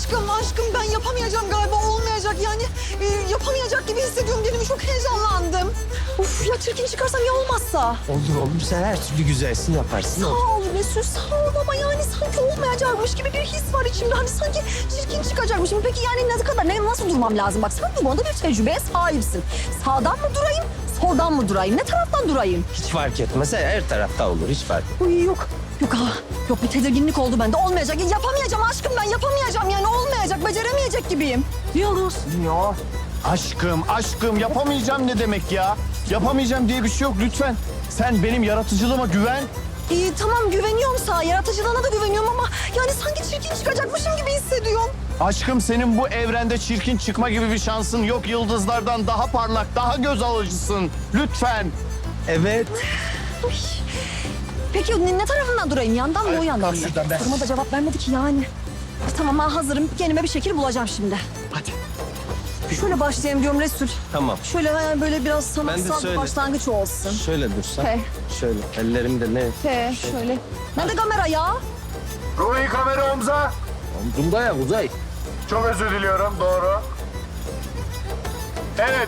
Aşkım ben yapamayacağım galiba, olmayacak yani. Yapamayacak gibi hissediyorum kendimi, çok heyecanlandım. Uf ya, çirkin çıkarsam ya olmazsa? Olur sen her türlü güzelsin yaparsın. Sağ ol Resul, sağ ol ama yani sanki olmayacakmış gibi bir his var içimde. Hani sanki çirkin çıkacakmışım. Peki yani ne kadar, nasıl durmam lazım? Bak sen bu konuda bir tecrübeye sahipsin. Sağdan mı durayım, soldan mı durayım? Ne taraftan durayım? Hiç fark etmez. Her tarafta olur. Hiç fark etmez. Uy yok. Yok bir tedirginlik oldu bende. Olmayacak. Yapamayacağım aşkım, ben yapamayacağım yani, olmayacak. Beceremeyecek gibiyim. Yıldız. Ya aşkım yapamayacağım ne demek ya? Yapamayacağım diye bir şey yok lütfen. Sen benim yaratıcılığıma güven. Tamam güveniyorum sana. Yaratıcılığına da güveniyorum ama yani sanki çirkin çıkacakmışım gibi hissediyorum. Aşkım senin bu evrende çirkin çıkma gibi bir şansın yok. Yıldızlardan daha parlak, daha göz alıcısın. Lütfen. Evet. Uy. Peki ne tarafından durayım? Yandan mı, o yandan mı? şuradan ben. Soruma da cevap vermedi ki yani. Tamam ben hazırım. Kendime bir şekil bulacağım şimdi. Hadi. Şöyle başlayayım diyorum Resul. Tamam. Şöyle böyle biraz sanatsal bir şöyle. başlangıç olsun. Şöyle dursan. He. Şöyle. Ellerimde ne? Şöyle. Nerede kamera ya? Ruhi kamera omza. Omzumda ya Uzay. Çok özür diliyorum, doğru. Evet,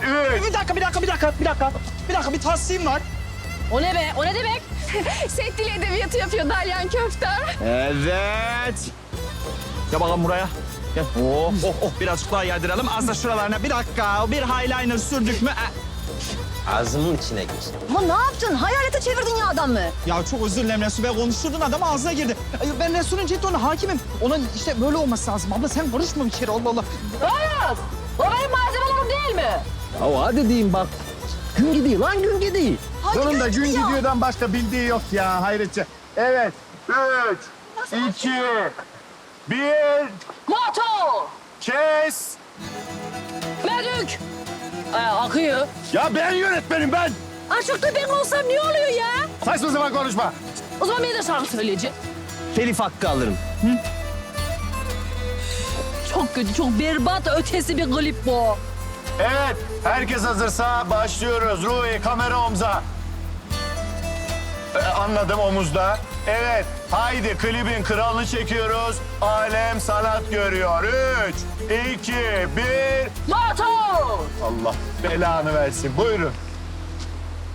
Bir dakika, bir tahsilim var. O ne be? O ne demek? Set dili edebiyatı yapıyor Dalyan Köfte. Evet. Gel bakalım buraya. Gel. Birazcık daha yardıralım. Az da şuralarına. Bir dakika, bir eyeliner sürdük mü? Ağzımın içine gir. Ama ne yaptın? Hayalete çevirdin ya adamı. Ya çok özür dilerim Resul Bey. Konuşturdun adam ağzına girdi. Ben Resul'ün jetonuna hakimim. Onun işte böyle olması lazım. Abla sen karışma bir kere, Allah Allah. Hayır. O benim malzemelerim değil mi? Ya hadi diyeyim bak. Gün gidiyor lan, gün gidiyor. Hadi Sonunda gün ya. gidiyordan başka bildiği yok ya hayretçe. Evet. 3, 2, 1, Moto. kes. Medük. Akıyor. Ya ben yönetmenim ben. Aşıkta ben olsam ne oluyor ya? Saçma sapan konuşma. O zaman ben de şarkı söyleyeceğim. Telif hakkı alırım. Çok kötü, çok berbat ötesi bir klip bu. Evet, herkes hazırsa başlıyoruz. Ruhi, kamera omza. Anladım, omuzda. Evet, haydi klibin kralını çekiyoruz. Alem sanat görüyor. 3, 2, 1. Moto. Allah belanı versin. Buyurun.